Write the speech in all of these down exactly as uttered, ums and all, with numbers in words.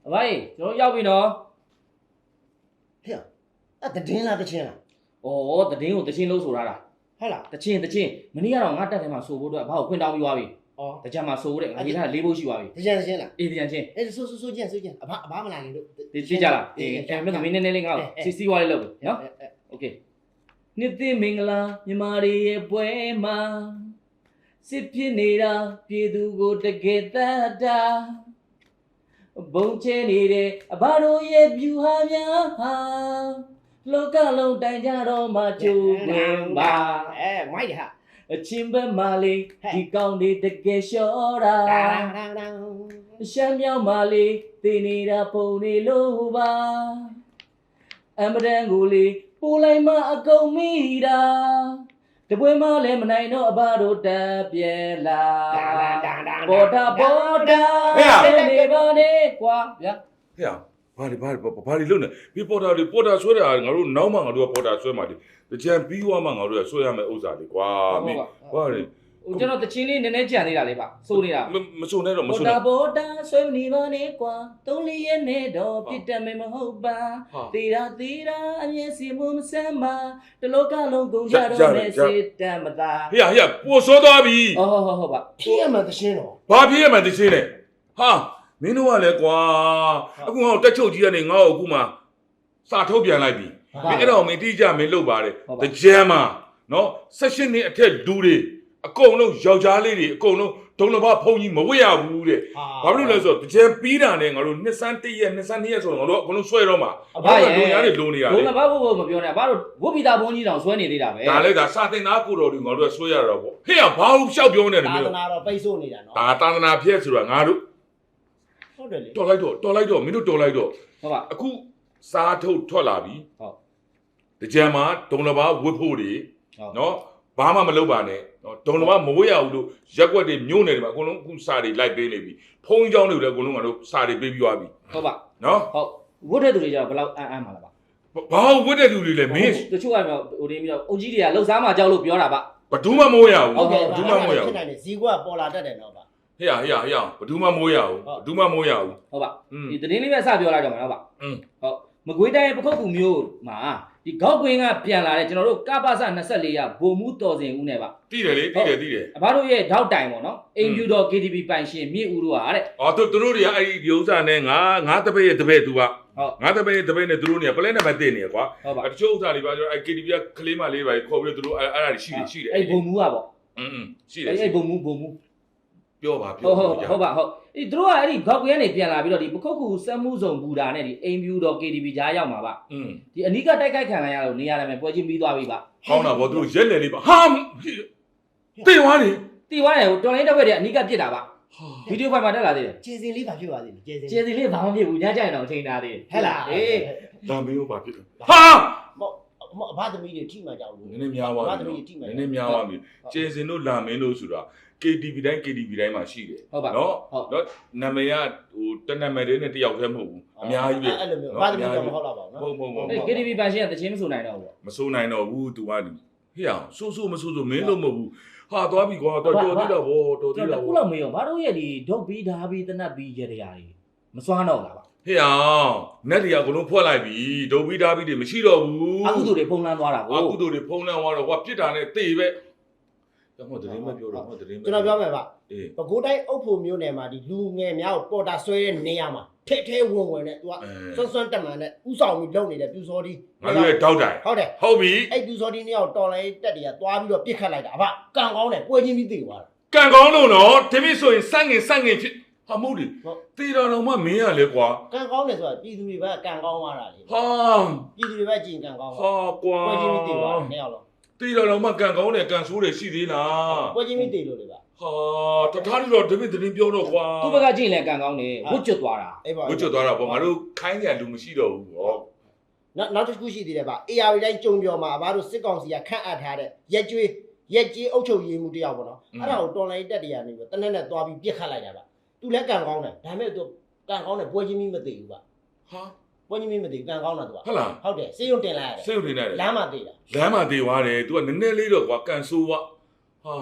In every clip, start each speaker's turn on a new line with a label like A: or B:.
A: အဖိုးကျွန်တော်ရောက်ပြီနော်
B: ဟဲ့အဲ့တည်င်းလားတချင်းလား
A: ဩတည်င်းကိုတချင်းလို့ဆိုရတာ
B: ဟုတ်လား
A: တချင်းတချင်းမနေ့ကတော့ငါတက်ထဲမှာဆိုဖို့အတွက်ဘာကိုခွင့်တောင်းပြီးသွားပြီ
B: ဩ
A: တကြမှာဆိုတဲ့ငါရေးထားလေးဖို့ရှိသွားပြီ
B: တချင်းတချင်းလား
A: အေးတချင်းချင်း
B: အဲ့ဆိုဆိုဆိုချင်းဆိုချင်းအဘအဘမလာနေလို့
A: ဒီကြည့်ကြလားအေးအဲ့မဲ့သမီးနည်းနည်းလေးငါ့ကိုစီစီဝါလေးလုပ်ပြီနော်โอเคနှစ်သိမင်္ဂလာမြမတွေရဲ့ပွဲမှာစစ်ဖြစ်နေတာပြည်သူကိုတကယ်တတ်တာဘုံချဲနေတဲ့အဘတို့ရဲ့ဖြူဟာများဟာလောကလုံးတိုင်ကြတော့မှကျိုးဝင်ပါ
B: အဲမိုက်တယ်ဟာ
A: အချင်းဘက်မာလေးဒီကောင်းလေးတကယ်လျှော့တာရှမ်းမြောက်မာလေးသိနေတာပုံနေလို့ပါအမဒန်ကိုလေးပိုးလိုက်မှအကုန်မိတာတပွဲမလည်းမနိုင်တော့အဘတို့တက်ပြဲလာပေါ်တာပေါ်တာနေပါနေကွာဗျာ
C: ဟဲ့ဘာလဲဘာလဲဘာလဲလုံးနေဒီပေါ်တာလေးပေါ်တာဆွဲတာငါတို့နောက်မှငါတို့ကပေါ်တာဆွဲမှာလေတကြံပြီးွားမှငါတို့ကဆွဲရမယ်ဥစ္စာလေးကွာမင်းဘာလဲ
A: ဟိုကျွန်တော်တချင်းလေးနည်းနည်းကြံနေတာလေးပါစိုးနေတာ
C: မစိုးနဲ့တော့မစိုး
A: နဲ့ပေါ်တာဆွဲနေပါနေကွာသုံးလေးရဲ့နဲ့တော့ပြစ်တက်မယ်မဟုတ်ပါသေတာသေတာအမြင်စီမမဆမ်းပါတလောကလုံးကုန်ကြတော့နဲ့စေတမ်းမသာ
C: ဟေ့ဟေ့ပို့စောသွားပြီ
A: ဟုတ်ဟုတ်ဟုတ်ပါ
B: ဖြစ်ရမှတချင်းတော့
C: ဘာဖြစ်ရမှတချင်းလဲဟာမင်းတို့ကလည်းကွာအခုငါ့ကိုတက်ချုပ်ကြီးကနေငါ့ကိုအခုမှစာထုတ်ပြန်လိုက်ပြီမင်းအဲ့တော့မင်းတိကျမင်းလုပ်ပါတယ်တကြံမှာနော်ဆက်ရှင်နေအထက်လူတွေအကုန်လုံးယောက်ျားလေးတွေအကုန်လုံးဒုံလဘဖုံကြီးမဝတ်ရဘူးတဲ့ဘာဖြစ်လို့လဲဆိုတော့တကြံပြီးတာနဲ့ငါတို့နှစ်စန်းတစ်ရက်နှစ်စန်းနှစ်ရက်ဆိုတော့ငါတို့အကုန်လုံးဆွဲတော့မှာ
A: အဘရဲ့
C: လူများတွေလိုနေရတယ်
A: ဒုံလဘဘဘမပြောနဲ့အဘတို့ဝတ်ပိတာဘုန်းကြီးတောင်ဆွဲနေသေးတာပဲ
C: ဒါလည်းဒါစာတင်သားကိုတော်တွေငါတို့ကဆွဲရတော့ပေါ့ဟေ့ဘာလို့ရှောက်ပြောနေတယ်
B: မျိုးသာသနာတော့ပိတ်ဆို့နေတာနော်
C: ဒါသာသနာဖြစ်ဆိုတာငါတို့
B: ဟုတ်တယ်လေ
C: တော်လိုက်တော့တော်လိုက်တော့မင်းတို့တော်လိုက်တော့
A: ဟုတ်ပါ
C: အခုစားထုတ်ထွက်လာပြီ
A: ဟုတ်
C: တကြံမှာဒုံလဘဝတ်ဖို့တွေနော်ဘာမှမလုပ်ပါနဲ့နော်ဒုံလဘမဝတ်ရဘူးလို့ရက်ွက်တွေမျိုးနေတယ်မှာအကုန်လုံးအခုစာတွေလိုက်ပေးနေပြီဖုံးเจ้าတွေလည်းအကုန်လုံးကတော့စာတွေပေးပြီးသွားပြီ
A: ဟုတ်ပါ
C: နော်
A: ဟုတ်ဝတ်တဲ့သူတွေကြောင့်ဘယ်လောက်အမ်းအမ်းမှာလဲပါ
C: ဘာဝတ်တဲ့သူတွေလဲမင်း
A: တချို့ကတော့ဟိုတင်းပြီးတော့အုတ်ကြီးတွေကလှုပ်ရှားမှကြောက်လို့ပြောတာပါ
C: ဘဒူးမှမဝတ်ရဘူး
B: ဟုတ်ကဲ့ဘဒူးမှမဝတ်ရဘူးဖြစ်နိုင်တယ်ဇီကွာပေါ်လာတတ်တယ်နော်ပါ
C: ဟေ့ဟေ့ဟေ့ဘဒူးမှမဝတ်ရဘူးဘဒူးမှမဝတ်ရဘူး
A: ဟုတ်ပါဒီတင်းလေးပဲစပြောလိုက်တော့မှာနော်ပါဟုတ်မကွေးတိုင်းပခုတ်ကူမျိုးမှာဒီဂေါက်ကွင်းကပြန်လာတဲ့ကျွန်တော်တို့ကပ္ပစနှစ်ဆယ့်လေးရဘုံမှုတော်စင်ဦးနဲ့ပါ
C: တိတယ်လေတိတယ်တိတယ်
A: အဘတို့ရဲ့ထောက်တိုင်ပေါ့နော်အိမ်ဖြူတော် K T V ပိုင်ရှင်မြင့်ဦးတို့ကတဲ့
C: အော်သူတို့တွေကအဲ့ဒီဒီဥစ္စာနဲ့ငါငါတပည့်ရဲ့တပည့်သူကငါတပည့်ရဲ့တပည့်နဲ့သူတို့တွေကပလဲနံပါတ်တင်နေကွာတချို့ဥစ္စာတွေပါကျွန်တော်အဲ့ K T V ကကလေးမလေးပါခေါ်ပြီးတော့သူတို့အဲ့အဲ့ဒါရှိတယ်ရှိတယ်
A: အဲ့ဘုံမှုကပေါ့
C: อืมရှိတယ်
A: အဲ့ဘုံမှုဘုံမှု
C: ပြောပါပြော
A: ဟုတ်ဟုတ်ဟုတ်ပါဟုတ်ဒီတို့ကအဲ့ဒီဂေါက်ကွင်းကနေပြန်လာပြီးတော့ဒီပခုတ်ကူစက်မှုစုံဘူတာနဲ့ဒီအိမ်ဖြူတော် K T V ကြားရောက်မှာပါ
C: อืม
A: ဒီအနီးကတိုက်ခိုက်ခံလိုက်ရလို့နေရာတယ်ပွဲချင်းပြီးသွားပြီပါ
C: ကောင်းတာဗောသူတို့ရက်လေလေးပါဟာတေးသွားနေ
A: တေးသွားတယ်ဟိုတော်လိုင်းတက်ွက်တွေအနီးကပြစ်တာပါဗီဒီယိုဖိုင်မှာတက်လာသေးတယ်
B: ကျေစင်လေးဘာဖြစ်သွားသေးလဲ
A: ကျေစင်ကျေစင်လေးဘာမှမဖြစ်ဘူးညကြရင်တော့ချိန်ထားသေးတယ်
B: ဟဲ့လား
A: အေး
C: ဒါမင်းတို့ဘာဖြစ်လဲ
B: ဟာမအဘသမီးတွေထိမှကြောက်လို့
C: နည်းနည်းများသွားပြီနည်းနည်းများသွားပြီကျေစင်တို့လာမင်းတို့ဆိုတာK T V တိုင်း K T V တိုင်းမှာရှိတယ်နော်နော်နာမည်ကဟိုတနံမယ်လေးနဲ့တယောက်တည်းမဟုတ်ဘူးအများကြီးပဲ
B: အဲ့လိုမျိုးဘာသမီးတော့မဟုတ်တော့ပါဘူးနော်
C: ဟုတ်ဟုတ်ဟုတ်
A: K T V ပိုင်ရှင်ကတချင်းမဆိုနိုင်တော့ဘူး
C: မဆိုနိုင်တော့ဘူး तू ကဟေ့အောင်ဆိုးဆိုးမဆိုးဆိုးမင်းလို့မဟုတ်ဘူးဟာသွားပြီကွာတော်တော်သေးတော့ဗောတော်သေးတော့
A: ခုလောက်မေးရောဘာတို့ရဲ့ဒီဒုတ်ပြီးဓာပြီးတနတ်ပြီးရတဲ့ရာတွေမစွမ်းတော့လားပါ
C: ဟေ့အောင်နက်တွေကဘလုံးဖွက်လိုက်ပြီဒုတ်ပြီးဓာပြီးတွေမရှိတော့ဘူး
A: အကုသိုလ်တွေဖုံးလန်းသွားတာကို
C: အကုသိုလ်တွေဖုံးလန်းသွားတော့ဟိုပြစ်တာနဲ့တေပဲဟောတရင်မပြောတော့ဟောတရင်
B: ကျွန်တော်ပြောမယ်ဗျအေးပဲခူးတိုင်းအုပ်ဖို့မျိုးနယ်မှာဒီလူငယ်များကိုပေါ်တာဆွဲတဲ့နေရာမှာထဲထဲဝင်ဝင်နဲ့ तू ကစွန်းစွန်းတက်မှန်နဲ့ဥဆောင်ပြီးလုပ်နေတဲ့ပြူစောဒီ
C: ငါတို့ရဲ့တောက်တိုင်
B: ဟုတ်တယ်
C: ဟုတ်ပြီ
B: အဲ့ပြူစောဒီနေရာကိုတော်လိုင်းတက်တွေကသွားပြီးတော့ပြစ်ခတ်လိုက်တာအဘကံကောင်းတယ်ပွဲချင်းပြီးသိသွားတာ
C: ကံကောင်းလို့နော်ဒီမိဆိုရင်စန့်ငင်စန့်ငင်ဖြစ်ဟာမဟုတ်လေတေတော်တော်မှမင်းရလေကွာ
B: ကံကောင်းတယ်ဆိုတာပြည်သူတွေပဲကံကောင်းသွားတာလေ
C: ဟာ
B: ပြည်သူတွေပဲကြင်ကံကောင်း
C: ဟာကွာ
B: ပွဲချင်းပြီးသိသွားတယ်နေရာလုံး
C: တေတော်တော်မှကံကောင်းတယ်ကံဆိုးတယ်ရှိသေးလား
B: ပွဲချင်းပြီးသိလို့လေဗျ
C: ဟာတထားလို့တော့ဒီမိတင်းပြောတော့ကွာ
A: သူ့ဘက်ကကြည့်ရင်လည်းကံကောင်းတယ်ဝတ်ကျွတ်သွားတာ
C: ဝတ်ကျွတ်သွားတာပေါ့ငါတို့ခိုင်းကြလူမရှိတော့ဘူးဟော
B: နောက်နောက်တစ်ခုရှိသေးတယ်ဗျ A R တိုင်းကြုံပြောမှာအဘတို့စစ်ကောင်စီကခန့်အပ်ထားတဲ့ရက်ကျွေးရက်ကြီးအုပ်ချုပ်ရေးမှုတယောက်ပေါ့နော်အဲ့ဒါကိုတော်လိုင်းတက်တွေကနေပြီးတနက်နဲ့သွားပြီးပြစ်ခတ်လိုက်တာဗျသူလည်းကံကောင်းတယ်ဒါပေမဲ့သူကံကောင်းတယ်ပွဲချင်းမီးမသိဘူးဗျ
C: ဟာ
B: ပွဲချင်းမီးမသိကံကောင်းတာသူက
C: ဟုတ်လား
B: ဟုတ်တယ်စေးရုံတင်လိုက်ရတယ်
C: စေးရုံတင်လိုက်တယ်
B: လမ်းမှာသိတာ
C: လမ်းမှာသိသွားတယ်သူကနည်းနည်းလေးတော့ကွာကံဆိုးွားဟာ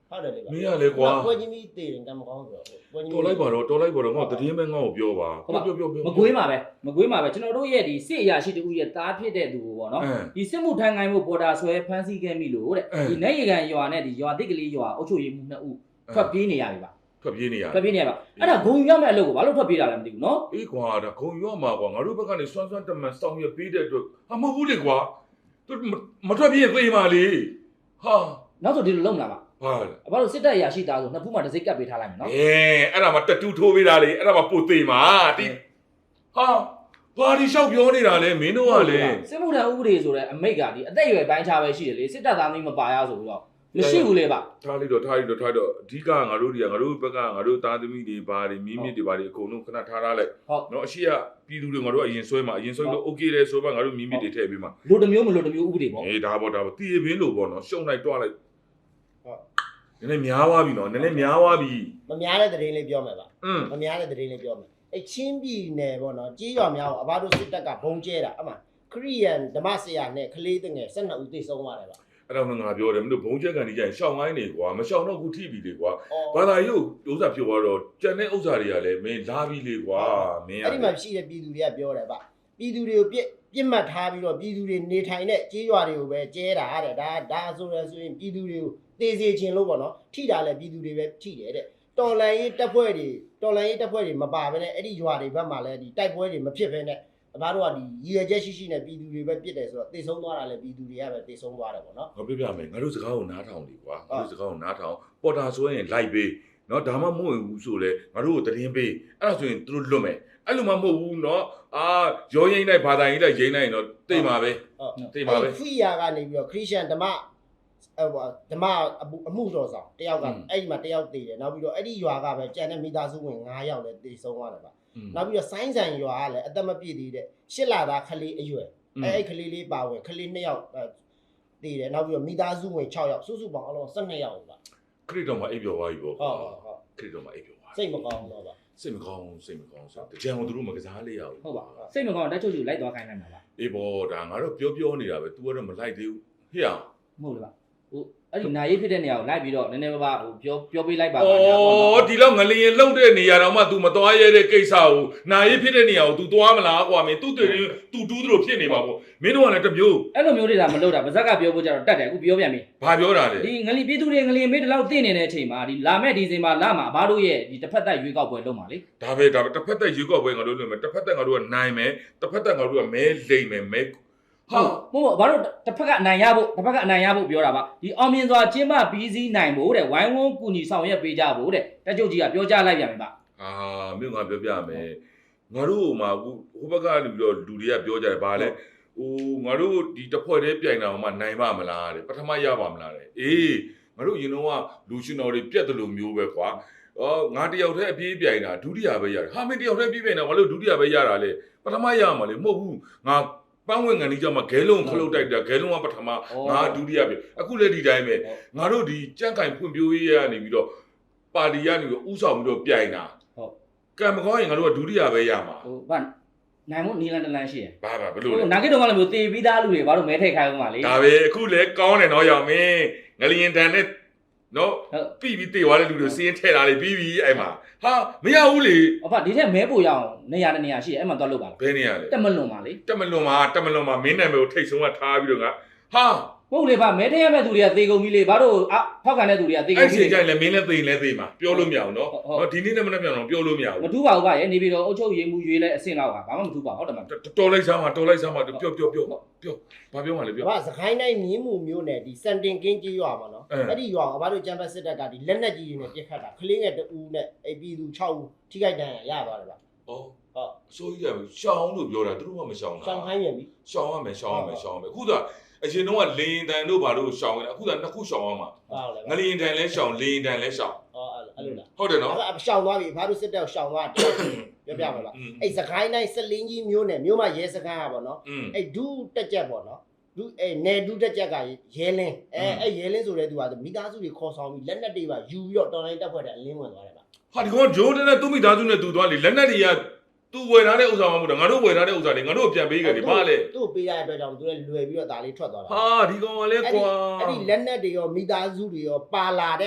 B: ဟုတ်တယ်လေ
C: မင်းရလေကွာ
B: ပွဲချင်းကြီးတည်တယ်ကံမကောင်းဆိုတော့ပွဲချင်း
C: တော်လိုက်ပါတော့တော်လိုက်ပါတော့ငါတည်င်းမဲငါ့ကိုပြောပါပြောပြောပြော
A: မကွေးမှာပဲမကွေးမှာပဲကျွန်တော်တို့ရဲ့ဒီစစ်အရာရှိတူရဲ့တားဖြစ်တဲ့သူကိုပေါ့နော်ဒီစစ်မှုထမ်းကိုင်းမှုပေါ်တာဆွဲဖမ်းဆီးခဲ့ပြီလို့တဲ့ဒီနေရကန်ရွာနဲ့ဒီရွာတိတ်ကလေးရွာအုပ်ချုပ်ရေးမှုနှစ်ဦးထွက်ပြေးနေရပြီပါ
C: ထွက်ပြေးနေရ
A: ထွက်ပြေးနေရပါအဲ့ဒါဂုံရမဲ့အလုပ်ကိုဘာလို့ထွက်ပြေးတာလဲမသိဘူးနော်
C: အေးကွာဒါခုံရွမှာကွာငါတို့ဘက်ကနေစွမ်းစွမ်းတမန်စောင်းရပေးတဲ့အတွက်ဟာမဟုတ်ဘူးလေကွာသူမထွက်ပြေးသေးပါလေဟာ
A: နောက်ဆိုဒီလိုလုံလာပါ
C: ဟာ
A: အဘတို့စစ်တပ်အရာရှိသားဆိုနှစ်ဖူးမှတစ်စိတ်ကပ်ပေးထားလိုက်မယ်နော်
C: အဲအဲ့ဒါမှတတူးထိုးပေးတာလေအဲ့ဒါမှပို့သေးမှာတိဟာဘာဒီလျှောက်ပြောနေတာလဲမင်းတို့ကလေ
A: စစ်မှုထမ်းဥပဒေဆိုတဲ့အမိတ်ကဒီအသက်အရွယ်ပိုင်းခြားပဲရှိတယ်လေစစ်တပ်သားမျိုးမပါရဆိုပြီးတော့မရှိဘူးလေပါ
C: ထားလိုက်တော့ထားလိုက်တော့ထားတော့အဓိကငါတို့တွေကငါတို့ဘက်ကငါတို့သားသမီးတွေဘာတွေမြင်းမြစ်တွေဘာတွေအကုန်လုံးခဏထားထားလိုက်နော်အရှိကပြည်သူတွေငါတို့အရင်ဆွဲမှာအရင်ဆွဲလို့ okay လဲဆိုတော့ငါတို့မြင်းမြစ်တွေထည့်ပေးမှာ
A: လူတစ်မျိုးမလူတစ်မျိုးဥပဒေပေါ့
C: အေးဒါပေါ့ဒါပေါ့တီးပင်းလို့ပေါ့နော်ရှုံလိုက်တွားလိုက်ဟုတ်နည်းနည်းများသွားပြီနော်နည်းနည်းများသွားပြီ
B: မများတဲ့သတင်းလေးပြောမယ်ပါ
C: อืม
B: မများတဲ့သတင်းလေးပြောမယ်အဲချင်းပြည်နယ်ပေါ့နော်ကြေးရွာများကိုအဘတို့စစ်တပ်ကဘုံကျဲတာအမှခရီးယန်ဓမ္မဆရာနဲ့ကလေးတငယ်၁၂ဦးသိဆုံးသွားတယ်ပါ
C: အဲ့တော့ငါပြောတယ်မင်းတို့ဘုံချက်ကန်ကြီးကျရင်ရှောင်းကိုင်းနေကွာမရှောင်းတော့ခုထိပြီလေကွာဘာသာရုပ်ဥစ္စာဖြစ်သွားတော့ကြံတဲ့ဥစ္စာတွေကလည်းမင်းလာပြီလေကွာမင်း
B: အဲ့ဒီမှာရှိတဲ့ပြည်သူတွေကပြောတယ်ဗျပြည်သူတွေကိုပြစ်ပြစ်မှတ်ထားပြီးတော့ပြည်သူတွေနေထိုင်တဲ့ကြေးရွာတွေကိုပဲကျဲတာတဲ့ဒါဒါဆိုရဆိုရင်ပြည်သူတွေကိုတေးစေခြင်းလို့ပေါ့နော်ထိတာလည်းပြည်သူတွေပဲထိတယ်တဲ့တော်လန်ရေးတပ်ဖွဲ့တွေတော်လန်ရေးတပ်ဖွဲ့တွေမပါဘဲနဲ့အဲ့ဒီရွာတွေဘက်မှာလည်းဒီတိုက်ပွဲတွေမဖြစ်ဘဲနဲ့အဘတို့ကဒီရည်ရွယ်ချက်ရှိရှိနဲ့ပြည်သူတွေပဲပြစ်တယ်ဆိုတော့တေဆုံးသွားတာလည်းပြည်သူတွေကပဲတေဆုံးသွားတယ်ပေါ့နော်
C: ငါပြပြမယ်ငါတို့စကားကိုနားထောင်လေကွာငါတို့စကားကိုနားထောင်ပေါ်တာဆိုရင်လိုက်ပေးနော်ဒါမှမဟုတ်ဘူးဆိုလေငါတို့ကိုတရင်ပေးအဲ့ဒါဆိုရင်သူတို့လွတ်မယ်အဲ့လိုမှမဟုတ်ဘူးနော်အာရောရင်းလိုက်ဘာသာရေးလိုက်ရင်းလိုက်တော့တိတ်ပါပဲ
B: ဟုတ်
C: တိတ်ပါပဲ
B: ဖီယာကနေပြီးတော့ခရစ်ယာန်ဓမ္မအဲ့ဟိုဓမ္မအမှုတော်ဆောင်တယောက်ကအဲ့ဒီမှာတယောက်တည်တယ်နောက်ပြီးတော့အဲ့ဒီရွာကပဲကျန်တဲ့မိသားစုဝင်၅ယောက်လည်းတည်ဆုံးသွားတယ်ဗျနောက်ပြီးတော့ဆိုင်းဆန်ရွာကလည်းအသက်မပြည့်သေးတဲ့ရှစ်လသားကလေးအရွယ်အဲ့အဲ့ကလေးလေးပါဝင်ကလေး၂ယောက်တည်တယ်နောက်ပြီးတော့မိသားစုဝင်၆ယောက်စုစုပေါင်းအလုံး၁၂ယောက်ဗျ
C: ခရစ်တော်မှာအိပ်ပျော်သွားပြီပေါ့
B: ဟုတ်ဟုတ်ဟုတ်
C: ခရစ်တော်မှာအိပ်ပျော်သွား
B: စိတ်မကောင်းတော့ဗျ
C: စိတ်မကောင်းစိတ်မကောင်းဆိုတကြံကိုသူတို့မကစားလေးရဘူး
A: ဟုတ်ပါစိတ်မကောင်းတက်ချုပ်ချုပ်လိုက်သွားခိုင်းနိုင်မှာပါ
C: အေးဘောဒါငါတို့ပြောပြောနေတာပဲ तू ကတော့မလိုက်သေးဘူးဟေ့အောင်
A: မဟုတ်လားဟိုအဲ့ဒီနာရေးဖြစ်တဲ့နေရာကိုလိုက်ပြီးတော့နည်းနည်းပါးပါဟိုပြောပြောပေးလိုက်ပါ
C: ဩဒီလောက်ငလျင်လုံတဲ့နေရာတော့မှ तू မသွားရတဲ့ကိစ္စကိုနာရေးဖြစ်တဲ့နေရာကို तू သွားမလားကွာမင်း तू တူ तू တူးသလိုဖြစ်နေပါပေါ့မင်းတို့ကလည်းတမျိုး
A: အဲ့လိုမျိုးတွေဒါမလုပ်တာဗဇက်ကပြောဖို့ကြတော့တတ်တယ်အခုပြောပြန်ပြီ
C: ဘာပြောတာလဲ
A: ဒီငလီပြည်သူတွေငလီမေးတလောက်သိနေတဲ့အချိန်မှာဒီလာမဲ့ဒီဇင်ဘာလမှာဘာတို့ရဲ့ဒီတစ်ဖက်သက်ရွေးကောက်ပွဲလုပ်မှာလေ
C: ဒါပဲဒါပဲတစ်ဖက်သက်ရေကောက်ပွဲငါတို့လုပ်မယ်တစ်ဖက်သက်ငါတို့ကနိုင်မယ်တစ်ဖက်သက်ငါတို့ကမဲလိမ့်မယ်မဲဟာ
A: ဟုတ်ဟုတ်ဘာတို့တစ်ဖက်ကအနိုင်ရဖို့တစ်ဖက်ကအနိုင်ရဖို့ပြောတာပါဒီအောင်မြင်စွာကျင်းပပြီးစီးနိုင်ဖို့တဲ့ဝိုင်းဝန်းကူညီဆောင်ရွက်ပေးကြဖို့တဲ့တက်ချုပ်ကြီးကပြောကြားလိုက်ပြန်ပြီပါ
C: အာမြို့ငါပြောပြမယ်ငါတို့ဟိုမှာဟိုဘက်ကနေပြီးတော့လူတွေကပြောကြတယ်ဘာလဲဟိုငါတို့ဒီတစ်ဖွဲ့တည်းပြိုင်တာမှနိုင်ပါမလားတဲ့ပထမရပါမလားတဲ့အေးငါတို့ရင်တော့ကလူရှင်တော်တွေပြက်တယ်လို့မျိုးပဲကွာအော်ငါတယောက်တည်းအပြေးပြိုင်တာဒုတိယပဲရတယ်ဟာမင်းတယောက်တည်းပြေးပြိုင်တာဘာလို့ဒုတိယပဲရတာလဲပထမရမှာလေမဟုတ်ဘူးငါပန်းဝင်ငန်းကြီးကြောင့်မဂဲလုံးခလုတ်တိုက်တာဂဲလုံးကပထမငါဒုတိယပဲအခုလည်းဒီတိုင်းပဲငါတို့ဒီကြန့်ကင်ဖွံ့ဖြိုးရေးရနေပြီးတော့ပါတီကနေပြီးဥဆောင်ပြီးတော့ပြိုင်တာဟုတ်ကံမကောင်းရင်ငါတို့ကဒုတိယပဲရမှာ
A: ဟိုဘာနိုင်မို့နီလန်တလန်ရှိရယ်
C: ဘာဘာဘလို့လဲ
A: ဟိုနာဂစ်တုံးကလည်းမျိုးတေးပြီးသားလူတွေဘာလို့မဲထိတ်ခိုင်းအောင်ပါလေ
C: ဒါပဲအခုလည်းကောင်းတယ်နော်ရောင်မင်းငလျင်တန်နဲ့နော်ပြီးပြီးတေသွားတဲ့လူတွေစီးရင်ထဲတာလေပြီးပြီးအဲ့မှာဟာမရဘူးလေ
A: အဖဒီထက်မဲပိုရအောင်နေရာနေရာရှိရယ်အဲ့မှာသွားလုပ်ပါလား
C: ဘယ်နေရလဲ
A: တက်မလွန်ပါလေ
C: တက်မလွန်မှာတက်မလွန်မှာမင်းနာမည်ကိုထိတ်ဆုံးကထားပြီးတော့ငါဟာ
A: ဟုတ်လေဗျမဲထည့်ရမဲ့သူတွေကသေကုန်ပြီလေဘာလို့အဖောက်ခံတဲ့သူတွေကသေကုန်
C: အဲ့
A: ပြီ
C: ဒီ
A: လေ
C: ကြိုင်လည်းမင်းလည်းသိရင်လည်းသိမှာပြောလို့မရဘူးနော်နော်ဒီနေ့နဲ့မနေ့ပြန်တော့ပြောလို့မရ
A: မ
C: ဘူး
A: ထူးပါဘူးဗျရဲ့နေပြီးတော့အုတ်ချုပ်ရေးမှုရွေးလဲအဆင့်လောက်ကဘာမှမထူးပါဟုတ်တယ်မ
C: တော်လိုက်စားမှာတော်လိုက်စားမှာပြောပြောပြောပြောဘာပြောမှလဲပြော
B: ဘာစကိုင်းတိုင်းမြင်းမှုမျိုးနဲ့ဒီစန်တင်ကင်းကြီးရွာမှာနော်အဲ့ဒီရွာကဘာလို့ကျမ်းပတ်စစ်တပ်ကဒီလက်နက်ကြီးတွေနဲ့ပြစ်ခတ်တာကလေးငယ်တူနဲ့အပြည်သူ၆ဦးထိခိုက်ဒဏ်ရာရသွားတယ်ဗျ
C: ဩဟုတ်ဆိုကြီးကရှောင်းလို့ပြောတာသူတို့ကမရှောင်းတာ
B: ရှောင်းခိုင်းပြန်ပြီ
C: ရှောင်းရမယ်ရှောင်းရမယ်ရှောင်းရမယ်အခုက အရင်တော့ကလင်းတန်တို့ဘာလို့ရှောင်းနေတာအခုကနှစ်ခုရှောင်းအောင်မှာ
B: ဟုတ်လေ
C: ငလင်းတန်လဲရှောင်းလင်းတန်လဲရှောင်း
B: ဟောအဲ့လိုလား
C: ဟုတ်တယ်နော်
B: အဲ့ရှောင်းသွားပြီဘာလို့စစ်တပ်ရှောင်းသွားတယ်ပြောပြပါလားအဲ့စကိုင်းတိုင်းစလင်းကြီးမျိုးနဲ့မျိုးမရဲစကိုင်းอ่ะဗောနော်အဲ့ဒူးတက်ကြက်ဗောနော်ဒူးအဲ့နယ်ဒူးတက်ကြက်ကရဲလင်းအဲအဲ့ရဲလင်းဆိုတဲ့သူကမိသားစုတွေခေါ်ဆောင်ပြီးလက်နက်တွေပါယူပြီးတော့တော်လိုင်းတက်ဖွဲ့တဲ့အလင်းဝင်သွားတယ်ဗျ
C: ဟာဒီကောင်ဂျိုးတဲ့နဲ့သူ့မိသားစုနဲ့သူသွားလေလက်နက်တွေကသူဝယ်ထားတဲ့ဥစ္စာမှမဟုတ်တာငါတို့ဝယ်ထားတဲ့ဥစ္စာတွေငါတို့ပြန်ပေးကြတယ်ဘာလဲ
B: သူ့ပေးရတဲ့အတွက်ကြောင့်သူလည်းလွယ်ပြီးတော့ဒါလေးထွက်သွားတာ
C: ဟာဒီကောင်ကလည်းကွာ
B: အဲ့ဒီလက်နက်တွေရောမိသားစုတွေရောပါလာတဲ့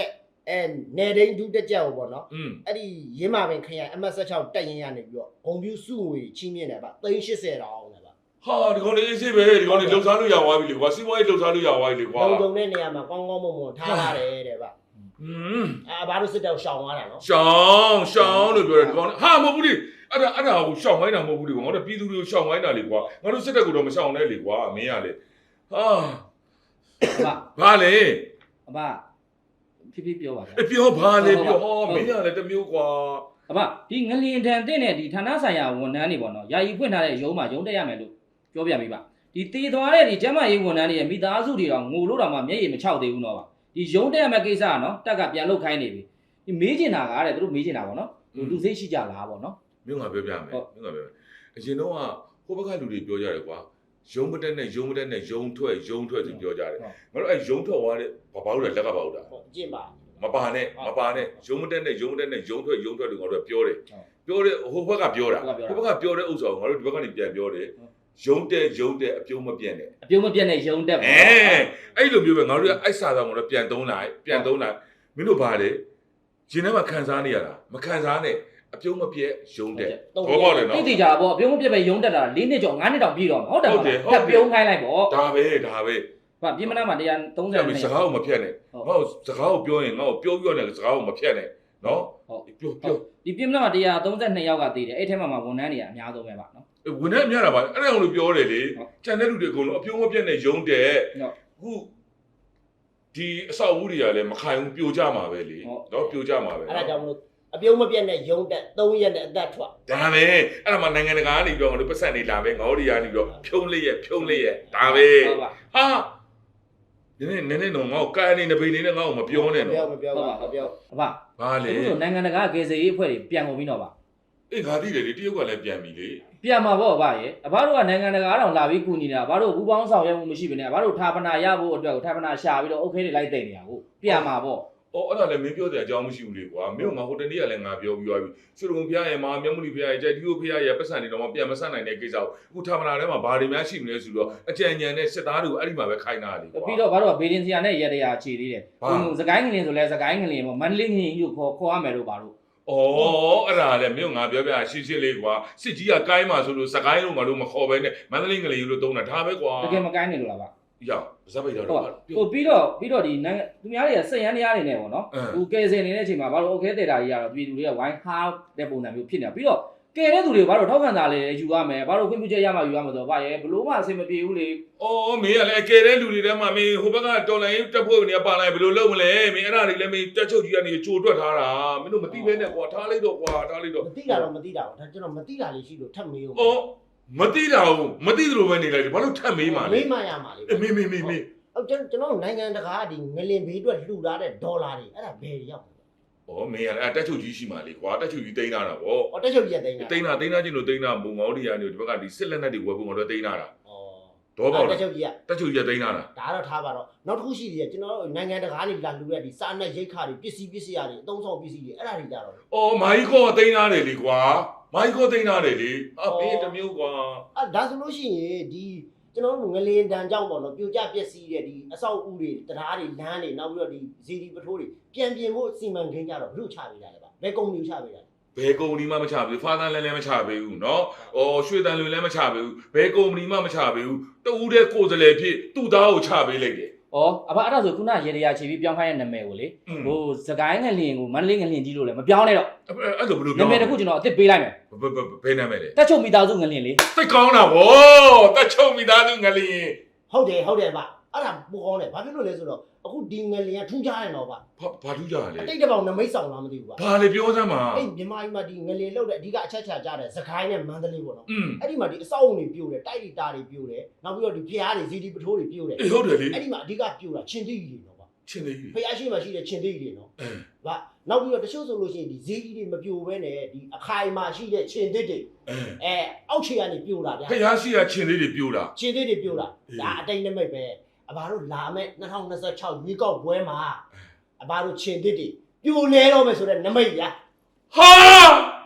B: အဲနယ်ဒိန်းဒူးတက်ကြောက်ပေါ့နော်
C: อืม
B: အဲ့ဒီရင်းမာပင်ခရိုင် M S ၆တက်ရင်ရနေပြီးတော့ဂုံပြူစုငွေချီးမြှင့်တယ်ဗျသိန်း၈၀တောင်းတယ်ဗျ
C: ဟာဒီကောင်လေးအေးစေးပဲဒီကောင်လေးလှုပ်ရှားလို့ရသွားပြီလေကွာစီးပွားရေးလှုပ်ရှားလို့ရသွားပြီလေကွာ
B: လုံုံတဲ့နေရာမှာကောင်းကောင်းမွန်မွန်ထားရတယ်တဲ့ဗျ
C: อืม
B: အဲဘာလို့စစ်တောက်ရှောင်သွားတာနော်
C: ရှောင်းရှောင်းလို့ပြောတယ်ဒီကောင်ဟာမဟုတ်ဘူးလေအဲ့ဒါအဲ့ဒါကိုရှောင်းခိုင်းတာမဟုတ်ဘူးလေကွာငါတို့ပြည်သူတွေကိုရှောင်းခိုင်းတာလေကွာငါတို့စစ်တပ်ကတော့မရှောင်းနဲ့လေကွာမင်းကလေဟာ
A: အဘ
C: ဘာလဲ
A: အဘဖြည်းဖြည်းပြောပါဗျာ
C: အပြောဘာလဲပြောဟောမင်းကလည်းတမျိုးကွာ
A: အဘဒီငလျင်တန်တဲ့နဲ့ဒီဌာနဆိုင်ရာဝန်ထမ်းတွေပေါ့နော်ယာယီဖွင့်ထားတဲ့ရုံးမှာရုံးတက်ရမယ်လို့ပြောပြပေးပါဒီတည်သွားတဲ့ဒီကျမရေးဝန်ထမ်းတွေရဲ့မိသားစုတွေတော့ငိုလို့တော့မှမျက်ရည်မချောက်သေးဘူးတော့ပါဒီရုံးတက်ရမယ့်ကိစ္စကနော်တက်ကပြန်လုတ်ခိုင်းနေပြီဒီမေးချင်တာကတဲ့သူတို့မေးချင်တာပေါ့နော်လူစိတ်ရှိကြလားပေါ့နော်
C: မင်းကပြောပြမယ်မင်းကပြောပြမယ်အရင်တော့ဟိုဘက်ကလူတွေပြောကြတယ်ကွာရုံးမတက်နဲ့ရုံးမတက်နဲ့ရုံးထွက်ရုံးထွက်သူပြောကြတယ်ငါတို့အဲရုံးထွက်သွားတဲ့ဘာဘာလို့လဲလက်ကပါဟုတ်တာ
B: ဟုတ်အကျင့်ပါ
C: မပါနဲ့မပါနဲ့ရုံးမတက်နဲ့ရုံးမတက်နဲ့ရုံးထွက်ရုံးထွက်လို့ငါတို့ကပြောတယ်ပြောတယ်ဟိုဘက်ကပြောတာဟိုဘက်ကပြောတဲ့ဥစ္စာကိုငါတို့ဒီဘက်ကနေပြန်ပြောတယ်ရုံးတက်ရုံးတက်အပြုံးမပြတ်နဲ့
A: အပြုံးမပြတ်နဲ့ရုံးတက်ပါ
C: အဲအဲ့လိုမျိုးပဲငါတို့ကအိုက်စာဆောင်ကတော့ပြန်သုံးလိုက်ပြန်သုံးလိုက်မင်းတို့ဘာလဲရှင်ထဲမှာခံစားနေရတာမခံစားနဲ့အပြုံးမပြတ်ရုံးတက်ဘောပေါက်တယ်နော်
A: တိတိကျပေါ့အပြုံးမပြတ်ပဲရုံးတက်တာ၄နှစ်ကျော်၅နှစ်တောင်ပြည့်တော့မှာဟုတ်တယ်ဟုတ်တယ်တက်ပြုံးခိုင်းလိုက်ပေါ့
C: ဒါပဲဒါပဲ
A: ဟာပြင်မနာမှာ၁၃၀
C: အဲ့စကားကိုမဖြတ်နဲ့ငါ့စကားကိုပြောရင်ငါ့ကိုပြောပြောနဲ့စကားကိုမဖြတ်နဲ့နော်
A: ဟုတ်
C: ပြောပြော
A: ဒီပြင်မနာမှာ၁၃၂ယောက်ကတည်တယ်အဲ့ထဲမှာဝန်ထမ်းတွေကအများဆုံးပဲပါနော်
C: ဝင်နေမြတာပါအဲ့ဒါကိုလို့ပြောတယ်လေကျန်တဲ့လူတွေအကုန်လုံးအပြုံးမပြတ်နဲ့ရုံးတယ်အခုဒီအဆောက်အဦတွေကလည်းမခိုင်ဘူးပြိုကျမှာပဲလေနော်ပြိုကျမှာပဲ
B: အဲ့ဒါကြောင့်မလို့အပြုံးမပြတ်နဲ့ရုံးတက်၃ရက်နဲ့အသက်ထွက်
C: ဒါပဲအဲ့ဒါမှနိုင်ငံတကာကနေပြီးတော့ငါတို့ပတ်စံနေလာပဲငေါတွေကနေပြီးတော့ဖြုံးလေးရဲ့ဖြုံးလေးရဲ့ဒါပဲ
A: ဟုတ်ပါ
C: ဟာနည်းနည်းနည်းနည်းတော့ငါ့ကိုကိုင်းနေနေပိနေနဲ့ငါ့ကိုမပြောနဲ့
B: ပြော
C: နော်
B: မပြောပါမပြော
A: အဘ
C: ဘာလဲ
A: အခုဆိုနိုင်ငံတကာကေစီရေးအဖွဲ့တွေပြန်ကုန်ပြီတော့ပါ
C: အေးငါသိတယ်လေတရုတ်ကလည်းပြန်ပြီလေ
A: ပြန်မှာပေါ့အဘရဲ့အဘတို့ကနိုင်ငံတကာတောင်လာပြီးကူညီနေတာအဘတို့ဘူးပေါင်းဆောင်ရွက်မှုမရှိဘဲနဲ့အဘတို့ဌာပနာရဖို့အတွက်ကိုဌာပနာရှာပြီးတော့ okay တွေလိုက်တိတ်နေတာကိုပြန်မှာပေါ့
C: အော်အဲ့ဒါလည်းမင်းပြောတဲ့အကြောင်းမရှိဘူးလေကွာမင်းကငါဟိုတနေ့ကလည်းငါပြောပြီးသွားပြီဆွေတော်ဖျားရဲ့မာမြတ်မှုလီဖျားရဲ့ကြိုက်ဒီယိုဖျားရဲ့ပတ်စံတွေတော့မပြန်မဆက်နိုင်တဲ့ကိစ္စကိုအခုဌာပနာထဲမှာဘာတွေများရှိမလဲဆိုတော့အကြံဉာဏ်နဲ့စစ်သားတွေကိုအဲ့ဒီမှာပဲခိုင်းတာလေကွာ
A: ပြီးတော့ဘာလို့ကဘေဒင်စီယာနဲ့ရတရာခြေသေးတယ်ဟိုစကိုင်းငလင်ဆိုလဲစကိုင်းငလင်ပေါ့မန္တလေးငလင်ကြီးကိုခေါ်ခေါ်ရမယ်လို့ပါလို့
C: အော်အဲ့ဒါလည်းမင်းငါပြောပြရှင်းရှင်းလေးကွာစစ်ကြီးကကိုင်းမှာဆိုလို့စကိုင်းလုံးငါတို့မခေါ်ဘဲနဲ့မန္တလေးငလင်ကြီးလို့တုံးတာဒါပဲကွာ
A: တကယ်မကိုင်းနေလို့လားဗျ
C: ရောက်ဇက်ပိတ်တော့
A: ဟုတ်ဟိုပြီးတော့ပြီးတော့ဒီနိုင်ငံသူများတွေကစိတ်ရမ်းတရားတွေနဲ့ပေါ့နော်ဟိုကယ်ဆယ်နေတဲ့အချိန်မှာဘာလို့ okay တဲ့တာကြီးကတော့ပြည်သူတွေကဝိုင်းဟားတဲ့ပုံစံမျိုးဖြစ်နေတာပြီးတော့ကယ်တဲ့သူတွေဘာလို့ထောက်ခံတာလဲယူရမယ်ဘာလို့ခွင့်ပြုချက်ရမှယူရမှာဆိုတော့ဗျရဲ့ဘလို့မှအဆင်မပြေဘူးလေ
C: အော်မင်းကလည်းကဲတဲ့လူတွေထဲမှာမင်းဟိုဘက်ကတော်လိုင်းတက်ဖို့နေပါလိုက်ဘယ်လိုလုပ်မလဲမင်းအဲ့ဒါတွေလည်းမင်းတက်ချုပ်ကြီးကနေကြိုတွက်ထားတာမင်းတို့မသိဘဲနဲ့ကွာထားလိုက်တော့ကွာထားလိုက်တော့
B: မသိတာတော့မသိတာပါဒါကျွန်တော်မသိတာလေးရှိလို့ထပ်မေးဦး
C: အော်မသိတာဘူးမသိသလိုပဲနေလိုက်တယ်ဘာလို့ထပ်မေးမှလဲ
B: မေးမှရမှာလေ
C: မေးမေးမေးမေး
B: ဟုတ်ကျွန်တော်နိုင်ငံတကာကဒီငလင်ဘေးအတွက်လှူထားတဲ့ဒေါ်လာတွေအဲ့ဒါဘယ်ရောက်လဲ
C: အော်မင်းကလည်းတက်ချုပ်ကြီးရှိမှလေကွာတက်ချုပ်ကြီးတိန်းလာတာဗော
B: အော်တက်ချုပ်ကြီးကတိန်းတာ
C: တိန်းတာတိန်းတာချင်းလို့တိန်းတာမုံငေါတွေကနေဒီဘက်ကဒီစစ်လက်နက်တွေဝယ်ဖို့ငါတို့တိန်းလာတာ
B: အော်
C: တော့ပေါ့
B: တက်ချုပ်ကြီးက
C: တက်ချုပ်ကြီးတိန်းလာတာ
B: ဒါတော့ထားပါတော့နောက်တစ်ခုရှိသေးတယ်ကျွန်တော်တို့နိုင်ငံတကာကနေလာလှူတဲ့ဒီစာနဲ့ရိတ်ခါတွေပစ္စည်းပစ္စည်းတွေအသုံးဆောင်ပစ္စည်းတွေအဲ့ဒါတွေကြတော့
C: အော်မာကြီးကောတိန်းလာတယ်လေကွာမာကြီးကောတိန်းလာတယ်လေအာဘေးတစ်မျိုးကွာ
B: အဲ့ဒါဆိုလို့ရှိရင်ဒီကျွန်တော်တို့ငလင်တန်ကြောင့်ပေါ့နော်ပြိုကျပျက်စီးတဲ့ဒီအဆောက်အဦတွေတရားတွေလမ်းတွေနောက်ပြီးတော့ဒီဇီဒီပထိုးတွေပြန်ပြင်ဖို့စီမံကိန်းကြတော့ဘလို့ချပေးတာလဲဗျဘယ်ကုမ္ပဏီချပေးတာလဲ
C: ဘယ်ကုမ္ပဏီမှမချပေးဘူးဖာသန်လည်းလည်းမချပေးဘူးเนาะအော်ရွှေတန်လွင်လည်းမချပေးဘူးဘယ်ကုမ္ပဏီမှမချပေးဘူးတူဦးတဲ့ကိုယ်စားလှယ်ဖြစ်သူ့သားကိုချပေးလိုက်တယ်
A: ဩအဘအဲ့ဒါဆိုခုနရေတရာခြေပြီးပြောင်းခိုင်းတဲ့နာမည်ကိုလေဟိုစကိုင်းငလင်ကိုမန္တလေးငလင်ကြီးလို့လည်းမပြောင်းနဲ့တော့
C: အဲ့လိုဘယ်လို
A: နာ
C: ပြော
A: မည်တစ်ခုကျွန်တော်အစ်စ်ပေးလိုက်မယ်
C: ဘယ်ဘယ်နာမည်လဲ
A: တက်ချုပ်မိသားစုငလင်လေ
C: သိကောင်းတာဗောတက်ချုံမိသားစုငလျင်
B: ဟုတ်တယ်ဟုတ်တယ်ဗျအဲ့ဒါပိုကောင်းတယ်ဘာဖြစ်လို့လဲဆိုတော့အခုဒီငလင်ကထူးခြားတယ်တော့ဗျ
C: ဘာဘာထူးကြလဲ
B: အတိတ်တစ်ပေါင်နမိတ်ဆောင်လားမသိဘူးဗျ
C: ဘာလေပြောစမ်းပါ
B: အဲ့မြန်မာပြည်မှာဒီငလင်လောက်တဲ့အဓိကအချက်ချာကြတဲ့စကိုင်းနဲ့မန္တလေးပေါ့နော်
C: อืม
B: အဲ့ဒီမှာဒီအဆောက်အုံတွေပြိုတယ်တိုက်တွေတာတွေပြိုတယ်နောက်ပြီးတော့ဒီဖျားတွေဇီဒီပထိုးတွေပြိုတယ်
C: အေးဟုတ်တယ်လေ
B: အဲ့ဒီမှာအဓိကပြိုတာချင်းတိကြီးတွေနော်ဗျ
C: ချင်းသေးကြီး
B: ဖျားရှိမှရှိတဲ့ချင်းတိကြီးတွေနော်
C: အဲ
B: ဗျနောက်ပြီးတော့တချို့ဆိုလို့ရှိရင်ဒီဇီကြီးတွေမပြိုဘဲနဲ့ဒီအခိုင်မှာရှိတဲ့ချင်းတိတွေ
C: အဲ
B: အဲအောက်ခြေကနေပြိုတာဗျာ
C: ဖျားရှိရချင်းသေးတွေပြိုးတာ
B: ချင်းတိတွေပြိုတာဒါအတိတ်နမိတ်ပဲအဘာတို့လာမဲ့၂၀၂၆ရွေးကောက်ပွဲမှာအဘာတို့ချင်းတိတွေပြိုလဲတော့မယ်ဆိုတဲ့နမိတ်ဗျာ
C: ဟာ